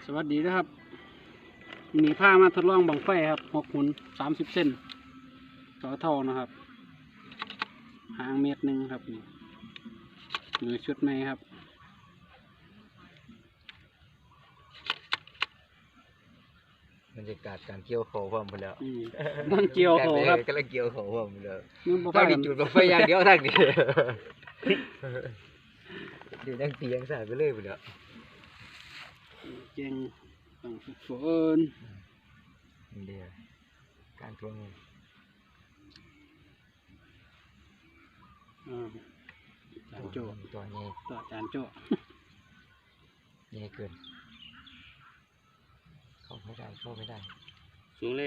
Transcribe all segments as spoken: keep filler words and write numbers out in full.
สวัสดีนะครับมีผ้ามาทดลองบังไฟครับหกหุ่นสามสิบเส้นต่อเท่านะครับหางเมตรหนึ่งครับนี่มือชุดไหมครับบรรยากาศการเกี่ยวเขาพร้อมไปแล้วนั่งเกี่ยวเขาครับกำลังเกี่ยวเขาพร้อมไปแล้วมึงบอกถ้าว่ามีจุดบังไฟอย่างเดียวทางนี้เดี๋ยวยังตียังสายไปเลยไปแล้วเก่งต้องฝึกฝนเดี๋ยวการทวงเงินอ่าจานโจตัวใหญ่ต่อจานโจใหญ่เกินเข้าไม่ได้เข้าไม่ได้สูงเลย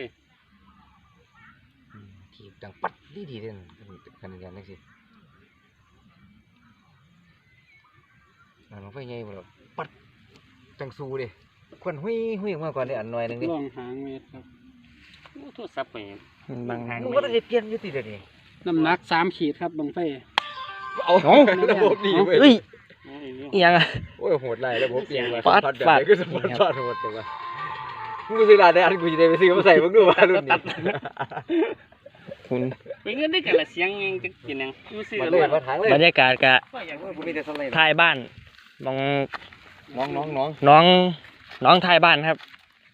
ทีดังปัดดีดีเลยกันกันนั่นสิบังไฟใหญ่หมดแล้วปัดจังสูเลยควันหุ้ยหุ้ยมาก่อนได้อันหน่อยนึงดิล่องหางเมตรครับโอ้โทษซับไปบางมึงว่าได้เปลี่ยนยุติเดี๋ยวนี้น้ำหนักสามขีดครับบังไฟเอาระบบดีเว้ยเฮ้ยโอ้ยเรื่องอีหยังอะโอ้ยโหดไรระบบเปลี่ยนมาฟาดฟาดแบบฟาดไหนก็สปอร์ตฟาดหมดตัวมึงซื้อร้านได้อันกูจะได้ไปซื้อมาใส่มึงดูว่ารุ่นนี้คุณเป็นเงินได้กันละเสียงยังจะกินยังยูซี่มากันเลยเลยมาทางเลยบรรยากาศกะกูมีแต่สไลด์ท้ายบ้านน้องน้องน้องน้องน้องน้องท้ายบ้านครับ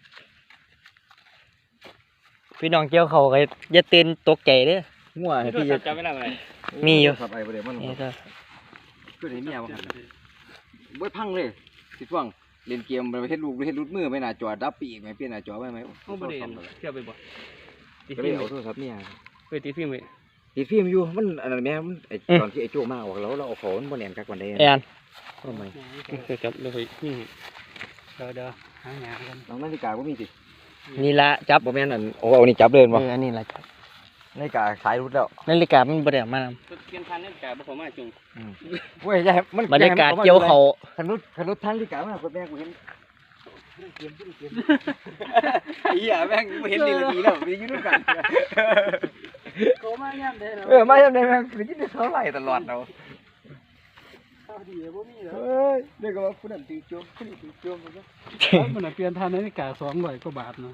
พี่น้องเกี่ยวเขาก็อย่าตื่นตกใจเด้องัวพี่พี่จะจะจำไม่ได้ไหมมีอยู่ขับไอ้ประเดี๋ยวมันนี่ก็ก็เห็นเมียมาหันบ่พังเลยสิช่วงเล่นเกมไปเฮ็ดลูกเฮ็ดรูดมือไปหน้าจอดับปีกไหมเปลี่ยนหน้าจอไปไหมเขาไม่ได้เที่ยวไปบ่ติดก็เลฟิยล์มเอาโทรศัพท์เมียไปติดฟิล์มไปติดฟิล์มอยู่มันอันนั้นแม่มันไอ้ตอนที่ไอ้โจ้มาออกแล้วเราเอาของมันบ่แน่นกักวันใดแอนทำไมเคยจับเลยนี่เดี๋ยวเดี๋ยวหางานกันน้องนาฬิกาก็มีสินี่ละจับบ่แม่นอันโอ้เอานี่จับเลยเอบ่ออันนี้ละจับนาฬิกาขายรุดแล้วนาฬิกามันบ่ได้เอามานเปลี่ยนพันนี่แกบ่ผมมาจุงเว้ยอย่าให้มันำบรรยากาศเกี่ยวเขาคันรุดคันรุดทางนาฬิกามาคนแม่กูเห็นเกมเกมไอ้เหี้ยแม่งกูเห็นดีละดีแล้วมีอยู่ด้วยกันโกมาเนี่ยเด้อเออมาอย่างไรแม่งไปกินเท่าไหร่ตลอดเราข้าวดีบ่มีเหรอเฮ้ยเด็กก็ว่าผู้นั้นตีโจมผู้นี้ตีโจมมันก็มันเปลี่ยนพันนี่กาสองร้อยกว่าบาทเนาะ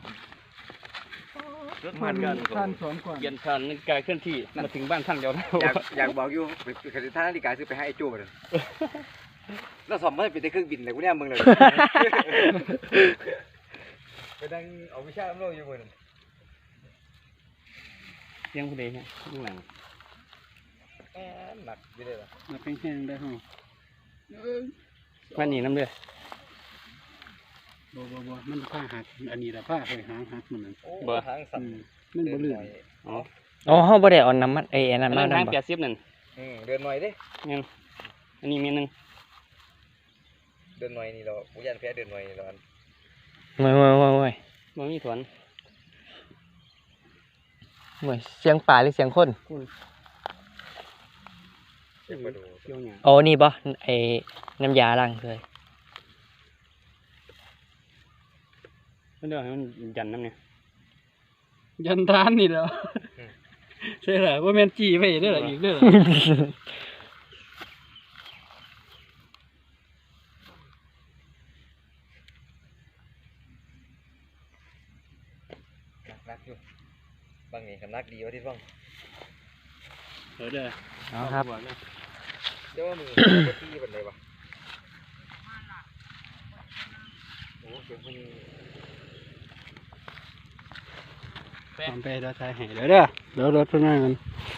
มันกันพันสองกว่าเปลี่ยนผ่านนาฬิกาเคลื่อนที่มาถึงบ้านท่านเดียวแล้วอยากอยากบอกอยู่ไปขันท่านาฬิกาซื้อไปให้ไอ้โจ้เลยแล้วสอบมันเป็นแต่เครื่องบินเลยกูเนี่ยมึงเลยไปดังเอาวิชาโลกอยู่บนเสียงผู้ใดเนี่ยข้างหลังหนักอยู่เลยล่ะมาเป็นแห้งได้ห้องวันนี้น้ำเดือดบ่บ่บ่มันผ้าหักอันนี้ละผ้าเคยหางหักมันนั่นบ่ทางสั่นมันบ่ลื่นอ๋ออ๋อเฮาบ่ได้เอาน้ำมันเอ้ยอันอันั้น นมานั้นทางนำบ่แปดสิบนั่นเดินหน่อยดิยังอันนี้มีหนึ่งเดินหน่อยนี่เราผู้ยันแพ้เดินหน่อยนี่เราโว้ยโว้ยโว้ยโว้ยมันมีถวนโว้ยเสียงป่าหรือเสียงคนเจ็บกระดูเกี่ยวหยาโอ้นี่บ่ไอ้น้ำยาล้างเลยมันเดือดให้มันยันน้ำเนี่ยยันทานนี่แล้วใช่เหรอว่าแม่นจี้ไปเด้ออีกเด้อนักอยู่บางนี่กันนักดีวะที่ฟังเดี๋ยวเด้อเอาครับเจ้ามือที่เป็นไรวะโอ้เสียงคนทำไปเดี๋ยวถ่ายให้เดี๋ยวเด้อเดี๋ยวรถเพิ่นมากัน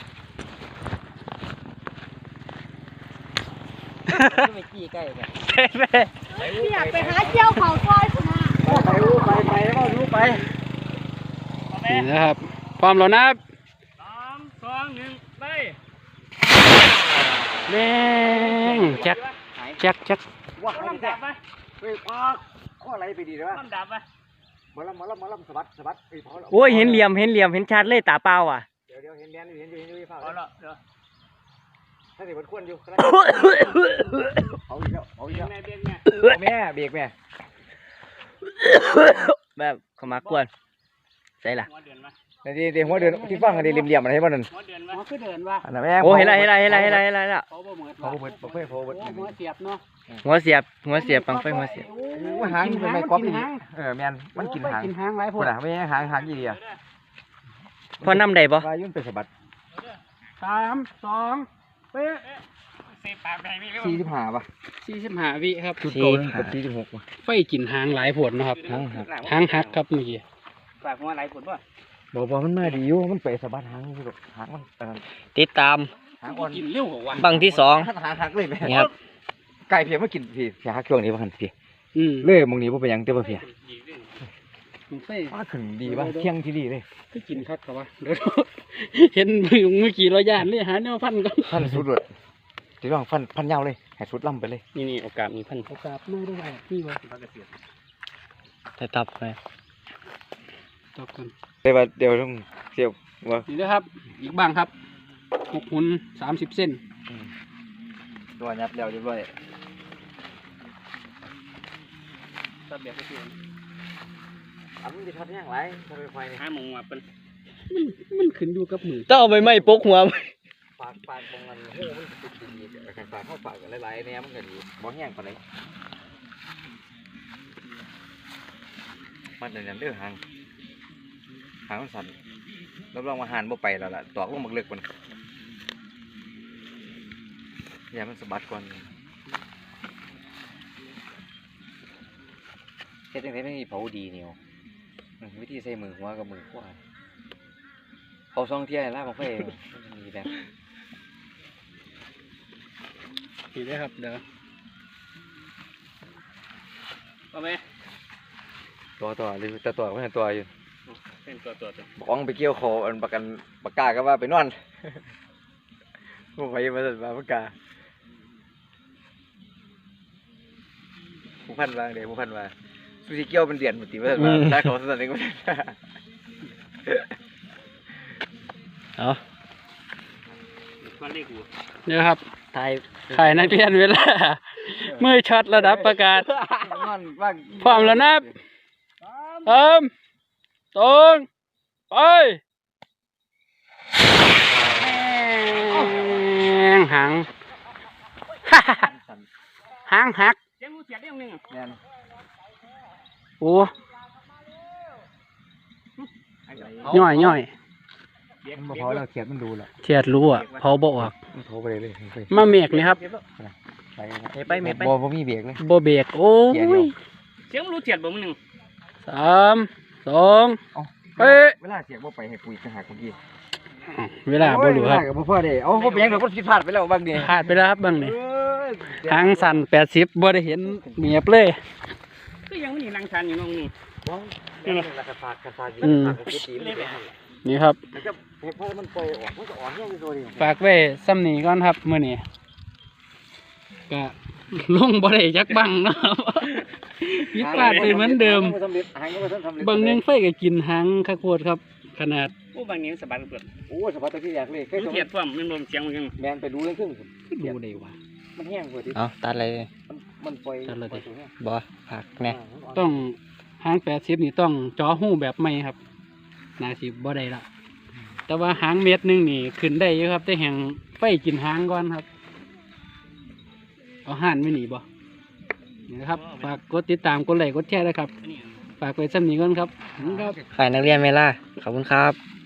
ไม่ขี้ใกล้กันอยากไปหาเจียวเขาซอยคุณนะไปรู้ไปไปก็รู้ไปนี่นะครับพร้อมแล้วนะครับสามสองหนึ่งไปแม่งจักจักจักว้าลำดับไปเฮ้ยป้าข้ออะไรไปดีเลยวะลำดับไปมาลำมาลำมาลำสะบัดสะบัดเฮ้ยพอโอ้ยเห็นเหลี่ยมเห็นเหลี่ยมเห็นชัดเลยตาเปล่าอ่ะเดี๋ยวเดี๋ยวเห็นแดนเห็นอยู่เห็นอยู่เห็นเอาละเดี๋ยวถ้าเด็กมันควรอยู่เอาอีกแล้วเอาอีกเบียแล้วกแม่เบียกแม่แม่เบรกแม่แบบเขามากวนใช่ล่ะหัวเดือนมานี่เดี๋ยวหัวเดือนที่ฟังกันดีเหลี่ยมๆอะไรให้บ้านนั่นหัวเดือนอ๋วะอคือเดินว่าอันนั้นแม่งโอ้เห็นแล้วเห็นแล้วเห็นแล้วเห็นแล้วเห็นแล้วเห็นแล้วเขาบ่เหมือนเขาเบิดเขาเบิดเขาเบิดโอ้หัวเสียบเนาะหัวเสียบหัวเสียบบังไฟหัวเสียบโอ้โอ้หางมันเป็นไม้กอล์ฟกิอีนกหางเออแม่นมันกินหางกินหางหลายพพูวดกอ่ะไม่ใช่หางหางยี่เดียพอน้ำได้ปะวายุ่นเป็นสะบัดสามสองเป๊ะเซฟปากไปไม่รู้สี่สิบห้าป่ะสี่สิบห้าวิครับจุดโตนี่กับสี่สิบหกป่ะไฟกินหางหลายผลนะครับหางหักหางหักครับเมื่อกี้ปากหัวไหลผลป่ะบอกว่ามันมาดีอยู่มันไปสะบัดหางอยู่ดอกหางมันเออติดตามหางอ่อนกินเร็วกว่าวันบังที่สองหางหักเลยแม่นี่ครับไก่เพียมากินพี่เพียหักช่วงนี้ป่ะคันพี่อืมเลื่อยมึงนี้ป่ะเป็นหยังเต้ป่ะเพียมันไฟมาขึ้นดีป่ะเที่ยงที่ดีเลยคือกินคักกับว่าเดี๋ยว เห็นมือเมื่อกี้เราย่านเลยหาแนวพันกันพันสุดเลยจะต้องพันพันยาวเลยให้สุดล่ำไปเลยนี่นี่โอกาสมีพันโอกาสไม่ได้นี่วะจะตับไปตอบกันเดี๋ยวเดี๋ยวต้องเสียวว่านี่นะครับ อีกบ้างครับหกหุ่นสามสิบเส้นตัวยับแล้วเรียบร้อยตัดแบบไปเสียอันนี้จะทำยังไงทำไมไฟเนี่ยห้าโมงมาเป็นมันมันขึ้นอยู่กับมือต้องเอาใบไม้ปกหัวปากปากมองมันโอ้มันติดดีกันปากเข้าปากกันหลายๆเนี่ยมันก็ดีบ่แห้งปานใดมันจะเลือกหางหางมันสั่นรับรองว่าหานบ่ไปแล้วล่ะตอกลงบักเลือกมันอย่ามันสะบัดก่อนเฮ็ดจังได๋ไม่มีเผาดีเนี่ยวอืมวิธีใส่มือหัวกับมือขวาเขาซ่องเที่ยล่าบังไฟมันมีแบบนี่ได้ครับเดี๋ยวเอาไหมตัวต่อหรือตัวต่อไม่เห็นตัวอยู่เป็นตัวตัวตัวบ้องไปเกี่ยวคออันประกันปากกาก็ว่าไปนอนผู้ไปมาสั่นมาปากกาผู้พันวางเดี๋ยวผู้พันว่าสุสิเกี่ยวเป็นเดือนหมดทีว่าสั่นว่าถ้าเขาสั่นเองก็ไม่ได้เอาตัวเลขหัวเดี๋ยวครับทายถ่ายนักเรียนเวลามือช็อตระดับประกาศนอนว่างพร้อมแล้วนะสามสองไปแม่งหางสั่นหางหักเสียงรู้เสียงได้ยังหนึ่งแน่นโอ้ย่อยย่อยมันมาเผาแล้วเขียดมันดูแหละเทียดรู้อ่ะเผาบ่ออกมันโทรไปเลยเลยไปมาเมกนี่ครับไปนะเมไปเมไปบ่บ่มีเบรกเลยบ่เบรกโอ้เกียร์เดียยวเสียงรู้เสียงบ่มึงหนึ่งสามสองเอ้าเอ้ยเวลาเสียงบ่ไปให้ปุ๋ยจะหักเมื่อกี้เวลาบ่รู้ครับโอ้ยเวลาก็บ่พอเด้เอาบ่เป็นหยังดอกมันผิดพลาดไปแล้วบางเดีพลาดไปแล้วครับเบางนี่เอ้ยหางสั่นแปดสิบบ่ได้เห็นเมียบเลยก็ยังไม่มีรังชันอยู่น้องนี่บ้องนี่มันกระฟากกระฟากอยู่อืมกระฟากกระตีมันไปนี่ครับมันจะเห็นพอมันปล่อยออกมันจะอ่อนแห้งอยู่ตัวเดียวฝากไว้ซ้ำนี้ก่อนครับมื้อนี้ก็ลงบ่ได้จักบังเนาะครับผิดพลาดไปเหมือนเดิมหางก็บ่สำเร็จหางก็บ่ทันสำเร็จบางหนึงไฟก็กินหางคักโพดครับ ขนาดโอ้บางนี้สบายเปลือกโอ้ยสะพัดตะกี้อยากเลยเคยรู้สมเสียงพ่วงมันรวมเสียงมันยังแมนไปดูเรื่องครึ่งดูได้ว่ามันแห้งกว่าที่เอาตัดเลยมันมันปล่อยจัดเลยดิปอยตัวแห้งบ่ผักแน่ต้องหางแปดสิบนี่ต้องจ่อหู้แบบใหม่ครับน่าสิบ่ได้ละแต่ว่าหางเม็ดหนึงนี่ขึ้นได้อยู่ครับแต่แห่งไฟกินหางก่อนครับ เอาห่านไม่หนีบ่นี่นะครับ ฝากกดติดตามกดไลค์กดแชร์ด้วยครับอันนี้ฝากไว้ซ้ำนี้ก่อนครับขอบคุณครับฝ่ายนักเรียนเวลาขอบคุณครับ